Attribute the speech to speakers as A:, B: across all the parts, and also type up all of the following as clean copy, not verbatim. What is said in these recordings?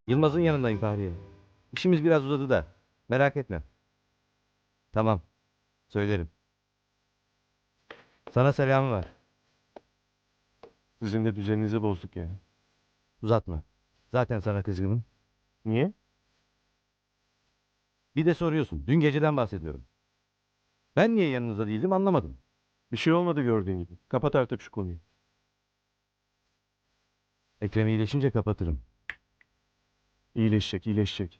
A: Yılmaz'ın yanındayım Fahriye. İşimiz biraz uzadı da. Merak etme. Tamam. Söylerim. Sana selamı var.
B: Sizin de düzeninizi bozduk ya.
A: Uzatma. Zaten sana kızgınım.
B: Niye?
A: Bir de soruyorsun. Dün geceden bahsediyorum. Ben niye yanınızda değildim anlamadım.
B: Bir şey olmadı gördüğün gibi. Kapat artık şu konuyu.
A: Ekrem iyileşince kapatırım.
B: İyileşecek, iyileşecek.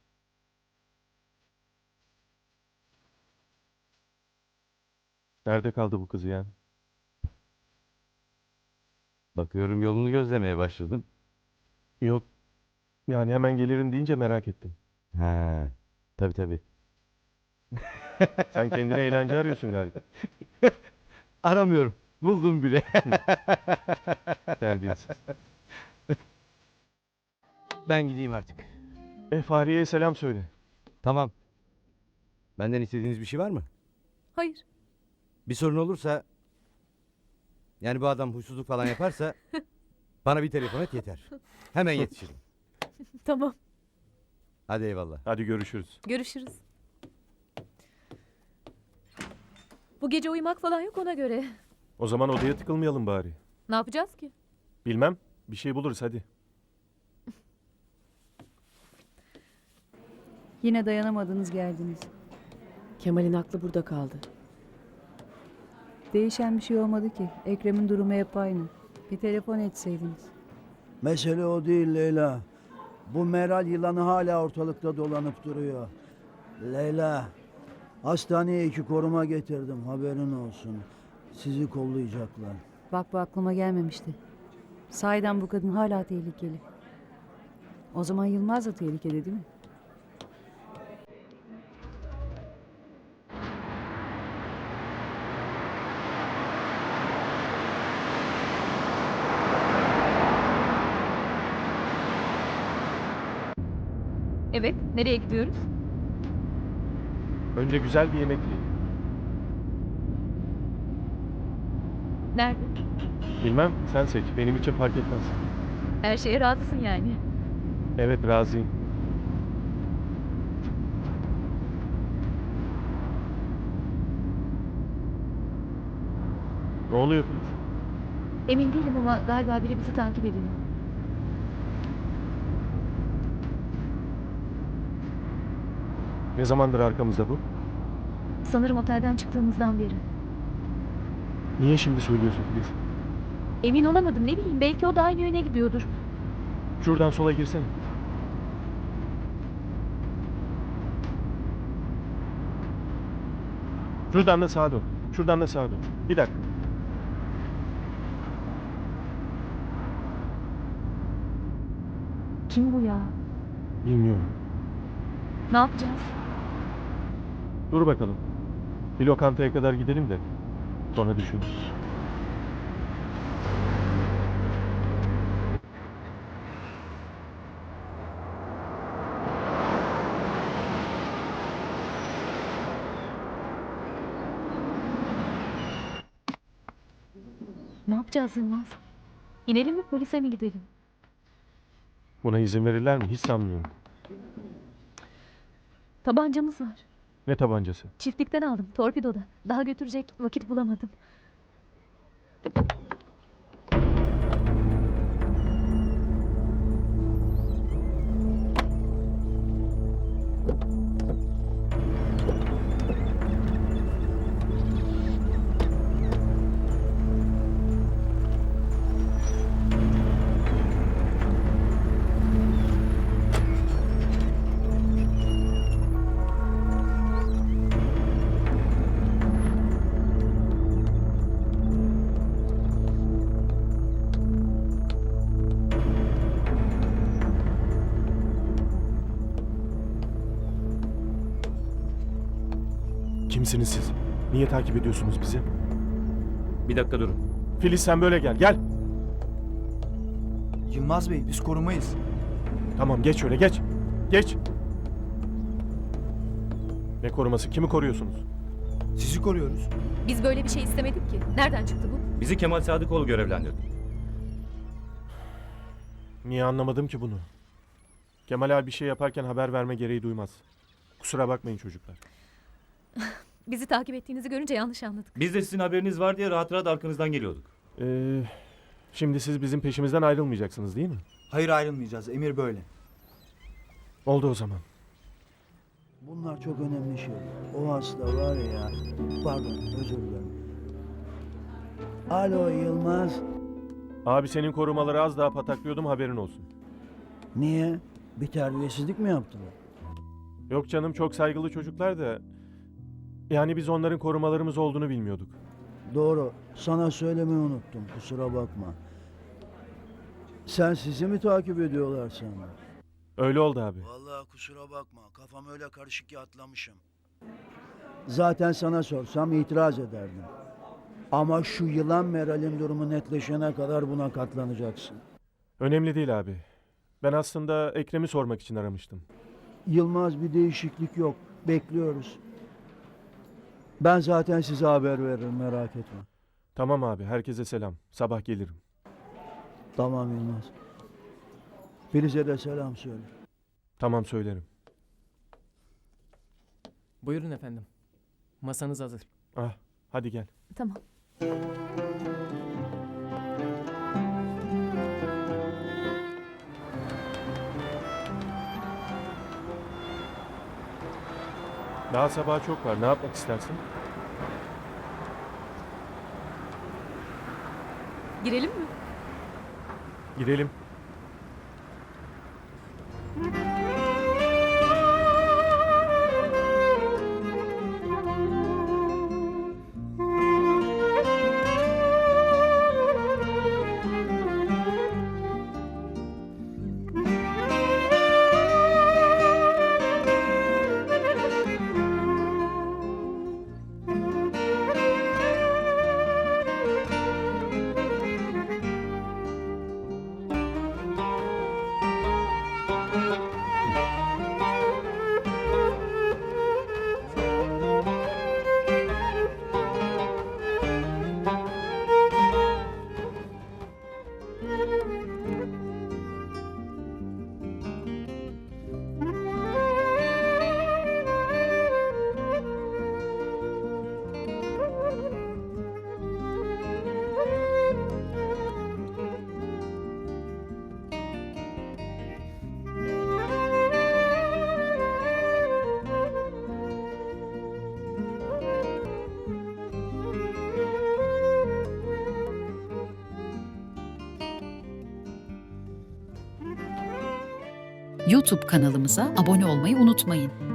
B: Nerede kaldı bu kız ya?
A: Bakıyorum yolunu gözlemeye başladın.
B: Yok. Yani hemen gelirim deyince merak ettim.
A: Ha, tabii tabii.
B: Sen kendine eğlence arıyorsun galiba.
A: Aramıyorum. Buldum bile.
B: Terbiyesiz.
A: Ben gideyim artık.
B: Fahriye'ye selam söyle.
A: Tamam. Benden istediğiniz bir şey var mı?
C: Hayır.
A: Bir sorun olursa... Yani bu adam huysuzluk falan yaparsa... bana bir telefon et yeter. Hemen yetişirim.
C: Tamam.
A: Hadi eyvallah.
B: Hadi görüşürüz.
C: Görüşürüz. Bu gece uyumak falan yok ona göre.
B: O zaman odaya tıkılmayalım bari.
C: Ne yapacağız ki?
B: Bilmem. Bir şey buluruz hadi.
D: Yine dayanamadınız geldiniz.
E: Kemal'in aklı burada kaldı.
D: Değişen bir şey olmadı ki. Ekrem'in durumu hep aynı. Bir telefon etseydiniz.
F: Mesele o değil Leyla. Bu Meral yılanı hala ortalıkta dolanıp duruyor. Leyla, hastaneye 2 koruma getirdim, haberin olsun. Sizi kollayacaklar.
D: Bak bu aklıma gelmemişti. Sahiden bu kadın hala tehlikeli. O zaman Yılmaz da tehlikeli değil mi?
C: Evet. Nereye gidiyoruz?
B: Önce güzel bir yemek yiyelim.
C: Nerede?
B: Bilmem, sen seç. Benim için fark etmez.
C: Her şeye razısın yani.
B: Evet, razıyım. Ne oluyor Filiz?
C: Emin değilim ama galiba biri bizi takip ediyor.
B: Ne zamandır arkamızda bu?
C: Sanırım otelden çıktığımızdan beri.
B: Niye şimdi söylüyorsun Filiz?
C: Emin olamadım, ne bileyim, belki o da aynı yöne gidiyordur.
B: Şuradan sola girsene. Şuradan da sağa dön. Şuradan da sağa dön. Bir dakika.
C: Kim bu ya?
B: Bilmiyorum.
C: Ne yapacağız?
B: Dur bakalım. Bir lokantaya kadar gidelim de sonra düşünürüz.
C: Ne yapacağız Yılmaz? İnelim mi, polise mi gidelim?
B: Buna izin verirler mi? Hiç sanmıyorum.
C: Tabancamız var.
B: Ne tabancası?
C: Çiftlikten aldım, torpidoda. Daha götürecek vakit bulamadım.
B: Kimsiniz siz? Niye takip ediyorsunuz bizi?
A: Bir dakika durun.
B: Filiz sen böyle gel. Gel.
G: Yılmaz Bey, biz korumayız.
B: Tamam geç şöyle geç. Geç. Ne koruması? Kimi koruyorsunuz?
G: Sizi koruyoruz.
C: Biz böyle bir şey istemedik ki. Nereden çıktı bu?
A: Bizi Kemal Sadıkoğlu görevlendirdi.
B: Niye anlamadım ki bunu? Kemal abi bir şey yaparken haber verme gereği duymaz. Kusura bakmayın çocuklar.
C: Bizi takip ettiğinizi görünce yanlış anladık.
H: Biz de sizin haberiniz var diye rahat rahat arkanızdan geliyorduk.
B: Şimdi siz bizim peşimizden ayrılmayacaksınız değil mi?
G: Hayır, ayrılmayacağız. Emir böyle.
B: Oldu o zaman.
F: Bunlar çok önemli şeyler. O hasta var ya. Pardon, özür dilerim. Alo Yılmaz.
B: Abi senin korumaları az daha pataklıyordum, haberin olsun.
F: Niye? Bir terbiyesizlik mi yaptılar?
B: Yok canım, çok saygılı çocuklar da... Yani biz onların korumalarımız olduğunu bilmiyorduk.
F: Doğru. Sana söylemeyi unuttum. Kusura bakma. Sen sizi mi takip ediyorlar sana?
B: Öyle oldu abi.
F: Vallahi kusura bakma. Kafam öyle karışık ki atlamışım. Zaten sana sorsam itiraz ederdim. Ama şu yılan Meral'in durumu netleşene kadar buna katlanacaksın.
B: Önemli değil abi. Ben aslında Ekrem'i sormak için aramıştım.
F: Yılmaz, bir değişiklik yok. Bekliyoruz. Ben zaten size haber veririm, merak etme.
B: Tamam abi, herkese selam. Sabah gelirim.
F: Tamam Yılmaz. Filiz'e de selam söyle.
B: Tamam, söylerim.
I: Buyurun efendim. Masanız hazır.
B: Ah, hadi gel.
C: Tamam.
B: Daha sabaha çok var. Ne yapmak istersin?
C: Girelim mi?
B: Gidelim.
J: YouTube kanalımıza abone olmayı unutmayın.